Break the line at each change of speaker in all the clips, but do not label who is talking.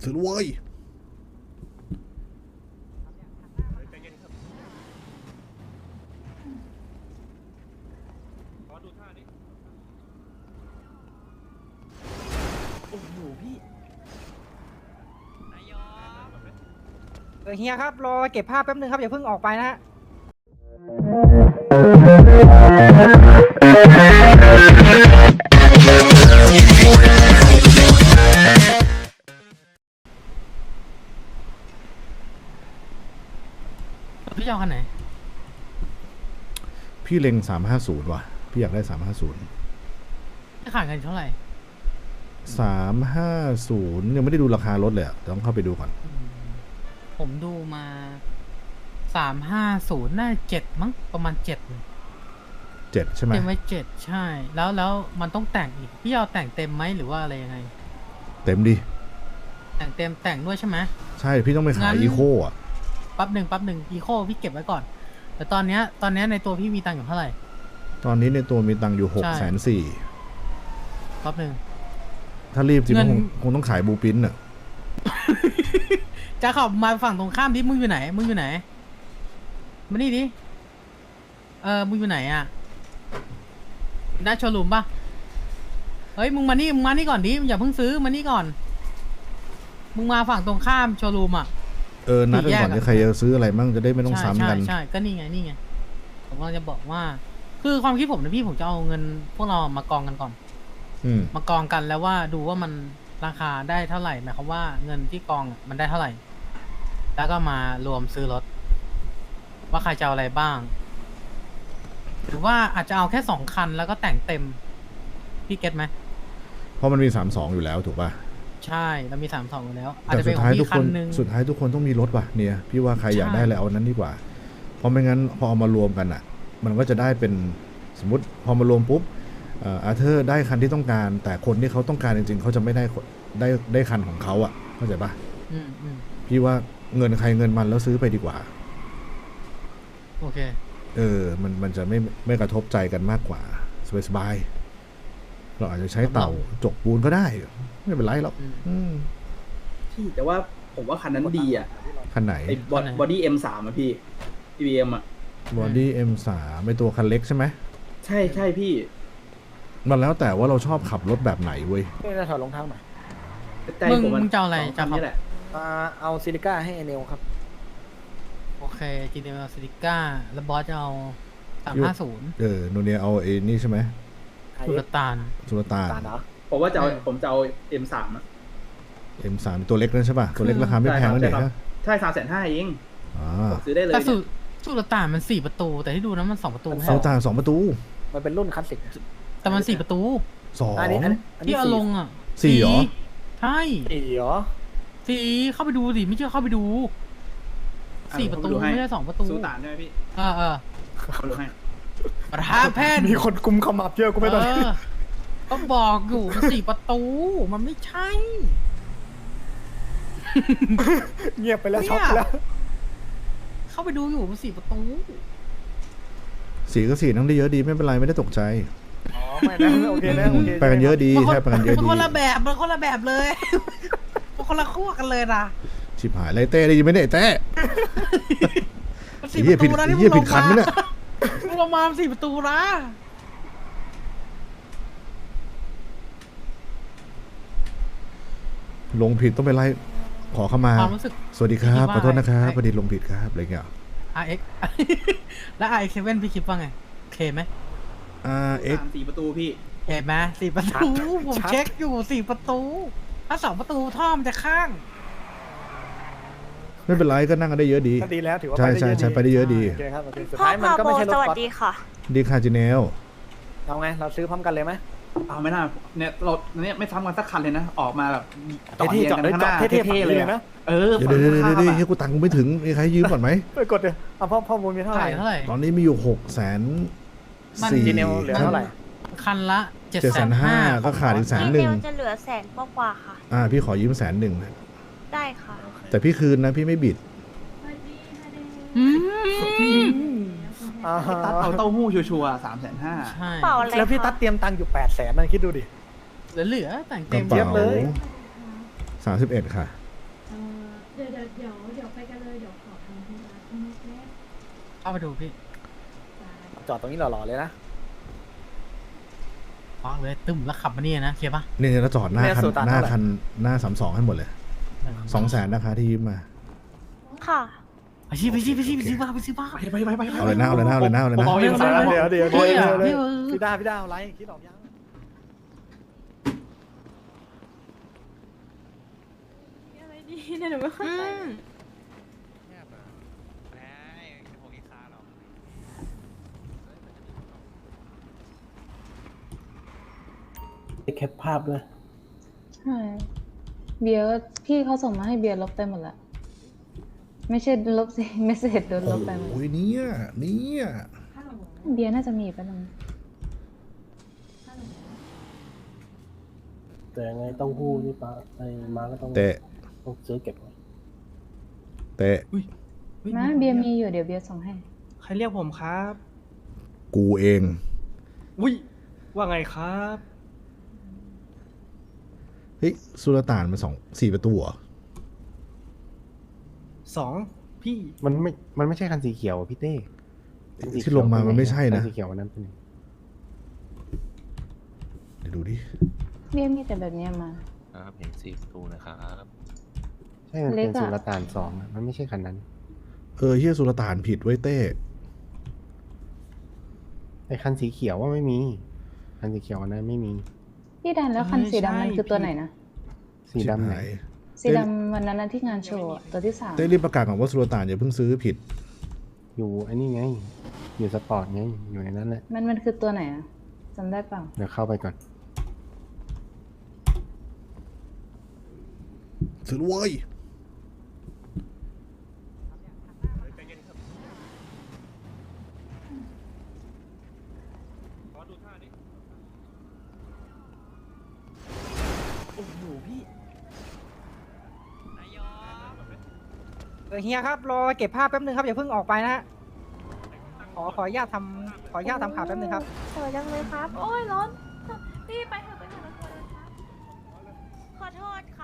ซื้อเว้ย
เฮียครับรอเก็บภาพแป๊บนึงครับอย่าเพิ่งออกไปนะฮะ
พี่จะเอาคันไหน
พี่เล็ง350ว่ะพี่อยากได้350
จะขายกันเท่าไหร่
350ยังไม่ได้ดูราคารถเลยอะต้องเข้าไปดูก่อน
ผมดูมา350น่า7มั้งประมาณ7
7ใช่ไหม
เต็มไว้7ใช่แล้วมันต้องแต่งอีกพี่เอาแต่งเต็มไหมหรือว่าอะไรยังไง
เต็มดิ
แต่งเต็มแต่งด้วยใช่ไหม
ใช่พี่ต้องไปขาย
งั้น
อีโคอ่ะ
แป๊บหนึ่งอีโคพี่เก็บไว้ก่อน แต่ตอนเนี้ยในตัวพี่มีตังค์อยู่เท่าไหร่
ตอนนี้ในตัวมีตังค์อยู่
ใช่
640,000
แป๊บหนึ่ง
ถ้ารีบจริง
เงิน
คงต้องขายบูปินอ่ะ
จะขับมาฝั่งตรงข้ามดิมึงอยู่ไหนมานี่ดิมึงอยู่ไหนอ่ะหน้าโชว์รูมปะเฮ้ยมึงมานี่ก่อนดิอย่าเพิ่งซื้อมานี่ก่อนมึงมาฝั่งตรงข้ามโชว์รูมอ่ะ
นัดกันก่อน
สี่แยกอะ
จะใครจะซื้ออะไรมั่งจะได้ไม่ต้อง
ใช่
ซ้ำกัน
ใช่ก็นี่ไงผมกำลังจะบอกว่า คือความคิดผมนะพี่ผมจะเอาเงินพวกเรามากองกันก่อน มากองกันแล้วว่าดูว่ามันราคาได้เท่าไหร่หมายความว่าเงินที่กองมันได้เท่าไหร่ แล้วก็มารวมซื้อรถว่าใครจะเอาอะไรบ้าง หรือว่าอาจจะเอาแค่2 คันแล้วก็แต่งเต็มพี่เก็ตไหม
เพราะมันมี32อยู่แล้วถูกป่ะ
ใช่เรามี32อยู่แล้ว อาจ
แต่
จะเป็
สุ
น
ด
ของ
ท้ายทุ
พี่
ก
คั
คน
นนึง
สุดท้ายทุกคนต้องมีรถว่ะเนี่ยพี่ว่าใครอยากได้อะไรเอานั้นดีกว่า เพราะไม่งั้นพอเอามารวมกันอ่ะ มันก็จะได้เป็นสมมติพอมารวมปุ๊บอาเธอร์ได้คันที่ต้องการ แต่คนที่เขาต้องการจริงๆเขาจะไม่ได้คันของเขาอ่ะเข้าใจป่ะ
อืม
พี่ว่าเงินใครเงินมันแล้วซื้อไปดีกว่า
โอเค
มันจะไม่กระทบใจกันมากกว่าสบายๆเราอาจจะใช้เต่าจกปูนก็ได้ไม่เป็นไรหรอก
พี่แต่ว่าผมว่าคันนั้นดีอ่ะ
คันไหน
ไอ้บอดี้ M3 อ่ะพี่ BM อ่ะ
บอดี้ M3 ไม่ตัวคันเล็กใช่ไหม
ใช่พี่
มันแล้วแต่ว่าเราชอบขับรถแบบไหนเว้ย
นี่จะถอดรองเท้าหน่อย
ใจผม
มึงจะเอาอะไร
สคัน
จะเอา
นี้แหละ
เอาซิลิก้าให้เนลครับ
โอเค GTM ซิลิก้าแล้วบอสจะเอา350
โนเนียเอาไอ้นี่ใช่ไหม
สุลต่าน
สุลต่าน
ตาลเหรอ
ผมว่าผมจะเอา M3 อ่ะ
M3 ตัวเล็กนั่นใช่ป่ะ ตัวเล็กราคาไม่แพงนั่นเองนะ
ใช่350,000เอง
อ่า
ซื้อได้เลย
แต่
เนี่ย
สุลต่านมัน4 ประตู แต่ที่ดูนะมัน2 ประตู
สุลต่าน2 ประตู
มันเป็นรุ่นคลาสสิก
แต่มัน4 ประตู
อันนี้
2
ที่เอาลงอ่ะ
4เหรอ
ใช่
สี่เหรอ
4เข้าไปดูสิไม่เชื่อเข้าไปดู4 ประตูไม่ใช่2 ประตู
ซูตานใช่ไหมพี่
เออ
เอาดูให้
ประธานแพทย์
มีคนกุมขมับเยอะกูไม่ต้อง
ก็บอกอยู่มัน4 ประตูมันไม่ใช่
เงียบไปแล้วช็อกไปแล้ว
เข้าไปดูอยู่มัน4 ประตู
4ก็4นั่งได้เยอะดีไม่เป็นไรไม่ได้ตกใจ
อ๋อไม่นะโอเคนะโอเค
ไปกันเยอะดีใช่ไปกันเยอะ
มัน
ดี
คนละแบบมันคนละแบบเลย มันคนละขั้วกันเลยนะ
ชิบหายไรเต้ได้ยินไหมเนี่ยไอ้เต้
มัน
ไอ้
4
เหี้ย
ป
ผิด
ระตูนะ
ไอ้
ที่
เหี้ย
มึงล
ผิด
ง
คันไหม
มา
เนี่ย
มึงลงมา4 ประตูนะ
ลงผิดต้องไปไล่ขอเข้ามา
ความรู้สึก
สวัสดีครับ
คิดว่า
ขอโทษนะครับ
ไอ้
พอดีลงผิดครับอะไรเงี้ย
RX แล้ว RX7 พี่คิดว่าไงโอเคไหม
X
4 ประตูพี่
เห็นไหม4 ประตูผมเช็คอยู่4 ประตูถ้า2 ประตูท่อมันจะข้าง
ไม่เป็นไรก็นั่งกันได้เยอะดี
ก็ดีแล้วถือว่า
ใช่
ไปได้เยอะ
ใช่ไปได้เยอะดี
โอเคครับโอเคสุด
พ่อ
ท้ายมัน
พา
ก็
โบ
ไม่ใช่รถ
สวัส
ก๊อต
ดีค่ะ
ดีคาจิเนล
เอาไงเราซื้อพร้อมกันเลยไหม
เอาไม่น่าเนี่ยเราเนี่ยไม่ซ้ำกันสักคันเลยนะ ออกมาแบบ
เท่ๆ
เรียงกันข้างหน้า
เท่ๆ
เท่ๆเลย
นะ
นะเออ
เดี๋ยวเดี๋ยว
ฝั่ง
เดี๋ยว
ข้าม
เดี๋ยว
อะ
กูตังค์กูไม่ถึงมีใครยืมก่อนไหม
ไปกดเลยเอาพ่อมูลมีเท่าไหร่
เท่าไหร่
ตอนนี้มีอยู่
มัน
600,004
จีเนลเหลือเท่าไหร่
คันละ
750,000ก็ขาดอีก
พี่
100,000
เนลจะเหลือ100,000กว่าๆค่ะ
พี่ขอยืม100,000
ได้ค่ะ
แต่พี่คืนนะพี่ไม่บิด
อืม
อ่า
ตัดเอาเต้าหู้ชัวร์ๆ350,000
ใช่
เปล่าอะไร
แล้วพี่
คะ
ตัดเตรียมตังค์อยู่800,000นั่นคิดดูดิ
เหลือแต่ง
ก
เต็
ระ
ม
เป๋า
เยอะเลย
31 ค่ะ
ดี๋ยวไปกันเลยเดี๋ยวขอทำธุระข้างนอกแป๊บ
เข้าไปดูพี่
จอดตรงนี้หล่อๆเลยนะ
วางเลยตึมแล้วขับมาเนี่ยนะเคลียร์ปะ
นี่แล้วจอดหน้า
แม่
คัน
สุตาน
หน้า
เท่าไหร่
คันหน้า32ให้หมดเลย200,000นะคะที่ยืมมา
ค่ะ
ไปสิบ้า
ไป
เอาเลยนะเอาเลยนะเอาเลยนะเอาเลยนะ
บอก
เดี๋ยว
พี่
พี่ด้าอะไรคิดออกยัง
อะไรดีเนี่ยหนูไม่เข้าใจ
แคปภาพด้วย
ใช่เบียร์ก็พี่เขาส่งมาให้เบียร์ลบไปหมดละไม่ใช่ลบสิเมสเซจโดนลบไปหมด
โอ้ยเนี่ย
ฮัลโหล
เบียร์น่าจะมีไปแล้วมั้ง
ฮัลโหล
แต่ยังไงต้องหู้นี่ปะไอ้มาก็ต้อง
เตะ
ต้องซื้อเก็บไว้
เตะ
มาเบียร์มีอยู่เดี๋ยวเบียร์ส่งให้
ใครเรียกผมครับ
กูเอง
อุ้ยว่าไงครับ
เฮ้ยสุลต่านมัน4 ประตูเหรอ
2พี่
มันไม่ใช่คันสีเขียวอะพี่เต้คันสีเขียว
ที่ลงมามันไม่ใช่นะ
คันสีเขียววันนั้นเป็นไง
เดี๋ยวดูดิ
เบียร์มีแต่แบบเนี้ยมา
ครับเห็น4 ประตูนะครับ
ใช่มัน
เล็
เป็
ก
น
อะ
สุลต่าน2อะมันไม่ใช่คันนั้น
เฮียสุลต่านผิดไว้ยเต้
ไอ้คันสีเขียวว่าไม่มี คันสีเขียววันนั้นไม่มี
พี่ดันแล้วคันสีดำมันคือตัวไหนนะ
สีดำไหน
สีดำวันนั้นนะที่งานโชว์อะตัวที่3
เต้รีบประกาศก่อนว่าสุลต่านอย่าเพิ่งซื้อผิด
อยู่ไอ้นี่ไง อยู่สปอร์ตไง อยู่ในนั้นแหละ
มันคือตัวไหนอะจำได้เปล่า
เดี๋ยวเข้าไปก่อน
ซื้อเว้ย
เฮียครับรอเก็บภาพแป๊บนึงครับอย่าเพิ่งออกไปนะฮะขออนุญาตทำข่าวแป๊บนึงครับ
สวยจังเลยครับ
โอ้ยร้อนพี่ไปเถอะไปเถอะนะคนเลยครับ
ขอโทษค่ะ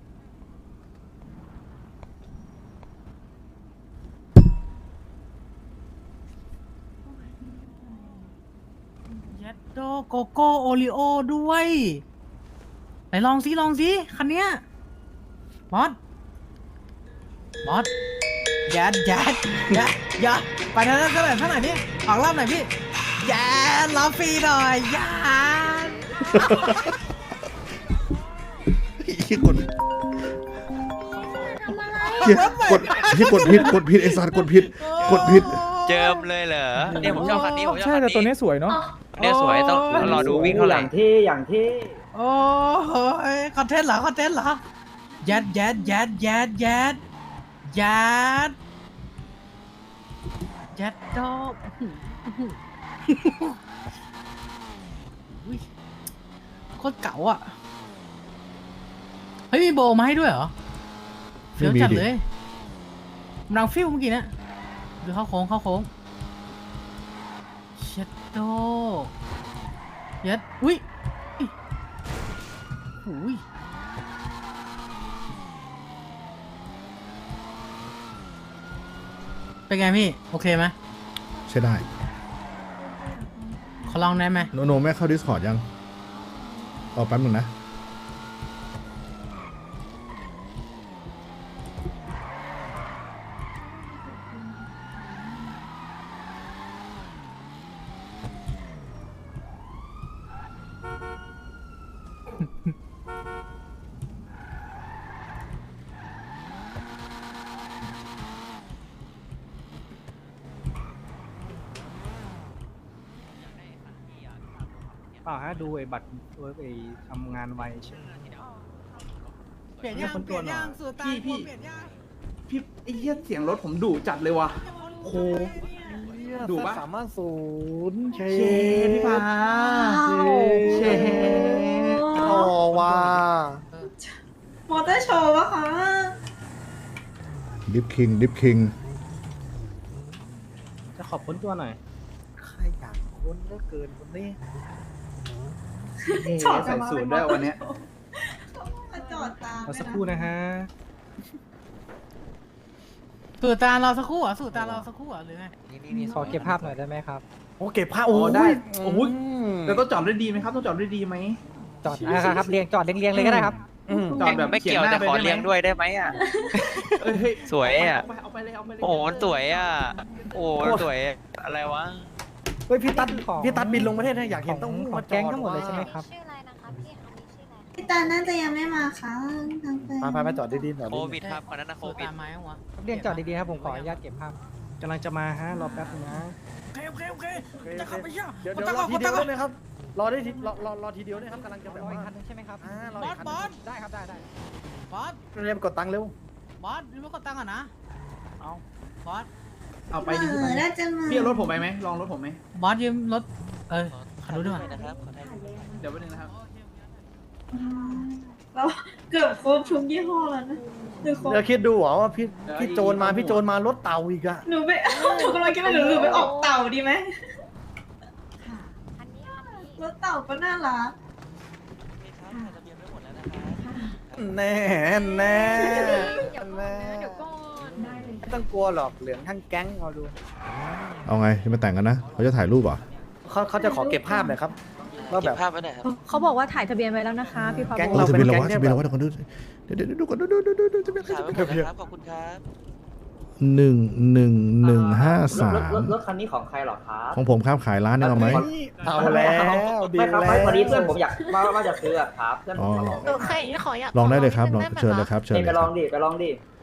เย็ดโดโกโก้โอริโอด้วยไหนลองสิคันเนี้ยบอสยัดไปเท่าไหร่นี่ออกรอบหน่อยพี่ยัดรอบฟรีหน่อยยัด
เฮียกดเฮียกดผิดไอ้สัตว์กดผิด
เจิมเลยเหรอเนี่ยผมชอบคันนี้ผมชอบ
ใช่
คัน
แต่
นี้
ตัวนี้สวยเนาะ
เนี่ยสวยต้องรอดูวิ่งเท่าไหร่
โอ้ยคอนเทนต์เหรอยัดโดอุ๊ยโคตรเก๋าอ่ะเฮ้ยมีโบมาให้ด้วยเหรอเฟี้ยวจัดเลยมันดังฟิวเมื่อกี้นะดูเข้าโค้งเช็ดโดยัดอุ้ยเป็นไงพี่ โอเคไหม
ใช่ได้
ขอลองได้ไหม
โนแม่เข้า Discord ยังเอาแป๊บหนึ่งนะ
ดูไอ้บัตรไอ้ทำงานไวใช่ไหม
เปลี่ยนย่างสุดตา
พี่
เปลี่ยนย่าง
พี่ไอ้เหี้ยเสียงรถผมดุจัดเลยว่ะโหดุปะ
350เช
เชพี่ฟ้าเช
โอ้ว้าม
อเตอร์โชว์ปะคะ
ดิฟคิง
จะขอบคุณตัวหน่อย
ใครอยากค้นเหลือเกินคนนี้
จอด
ใส่สูตรด้วยวันเนี้ย
มาจอดตาม
เราสักครู่นะฮะ
สูตรตาเราสักครู่เหรอ่ะสูตรตาเราสักครู่เหรอ่ะหรือไง
นี่
ขอเก็บภาพหน่อยได้ไหมครับ
โอ้เก็บผ้า
โอ้
โอ้
ได้
ย
โอ้ยแล้วต้องจอดด้วยดีไหมครับต้องจอดด้วยดีไหม
จอดนะครับเรียงจอดเรียงๆเลยก็ได้ครับ
จอดแบบ
ไม่เกี่ยวแต่ขอเลี้ยงด้วยได้ไหมอ่ะ
เอ้ยเฮ้ย
สวยอ่ะ
เอาไปเลยเอาไปเลย
โอ้โหมันสวยอ่ะ โอ้โหสวยอะไรวะ
เฮ้ยพี่ตัด
ของ
พี่ตัดบินลงประเทศนะอยากเห็นต้อง
ของ
มาจ
แก๊
อง ด
ทั้งหมดเลยใช่ไหมครับ
ชื่ออะไรนะคะพี่อันนี้ชื่ออะไร
พี่ตาน่าจะยังไม่มาค่ะทางไป
มาจอดดีๆจอด
โค
ดี
วิดครับคนนั้นนะโค
สูตร
วิด
ตาไม้วะ
เรียงจอดดีๆครับผมขออนุญาตเก็บภาพกำลังจะมาฮะรอแป๊บนึงนะ
โอเค
ๆจะขับไปเดี๋ยวรอทีเดียวได้ไหมครับรอได้ทีรอทีเดียวได้ครับกำลังจะแบบ
รออี
ว่าก
คันนึงใช่ไหมครับ
รออีกคัน
บอส
ได้ครับได้
บอส
เรียบกดตังค์เร็ว
บอสรีบกดตังค์ก่อนนะเอาบอส
เอาไป
เอ
ดิ
อน่าจะมา
พี่เอารถผมไปไหมลองรถผมไหม
บอสยืมรถขับรถด้วย
นะครับขอถ่ายรูป
เดี๋ยวแป๊บนึงนะครับ
เราเกือบครบทุกยี่ห้อแล้วนะหนูครบ
เดี๋ยวคิดดูเหรอว่าพี่โจรมารถเต่าอีกอะ
หนูไปหนูกำลังคิดว่าหนูไปออกเต่าดีไหม
อันนี้
รถเต่าก็น่ารัก
นี่ครับถ่ายทะเบียนไว้หมดแล้วนะครับ
แน่แน่
เดี๋ยวก่อนนะเดี๋ยวก่อน
ไม่ต้องกลัวหรอกเหลืองทั้งแก๊งเอาดู
เอาไงจะมาแต่งกันนะเขาจะถ่ายรูปเหรอ
เขาจะขอเก็บภาพหน่อยครับว่าแบ
เก็
บบ
ภาพไว้หน่อยครับ
เขาบอกว่าถ่ายทะเบียนไว้แล้วนะคะพี่พา
แก๊ง
โบ
เรา
ทะ
เป็
เบียน
น
เรา
แก๊ง
วะ
ที่
ทะเบียน
แบบ
เราวะเดี๋ยวก่อนดูก่อนดูทะเบียน
ถ่ายไว้หมดแล้วครับขอบคุณครับ
11153
รถคันนี้ของใครหรอครับ
ของผมครับขายร้านนึงเอาไหม
เอาแล้วดี
ไม่ครับ
แล้ว
วันนี้เพื่อนผมอยากว่าจะซื้ออะครับเพื่อนผมมาบอก
เคยขออยาก
ลองได้เลยครับลองเชิญเลยครับเชิญ
นี่
เล
ไป
ยค
ล
รั
อบ งดิไปลองดิ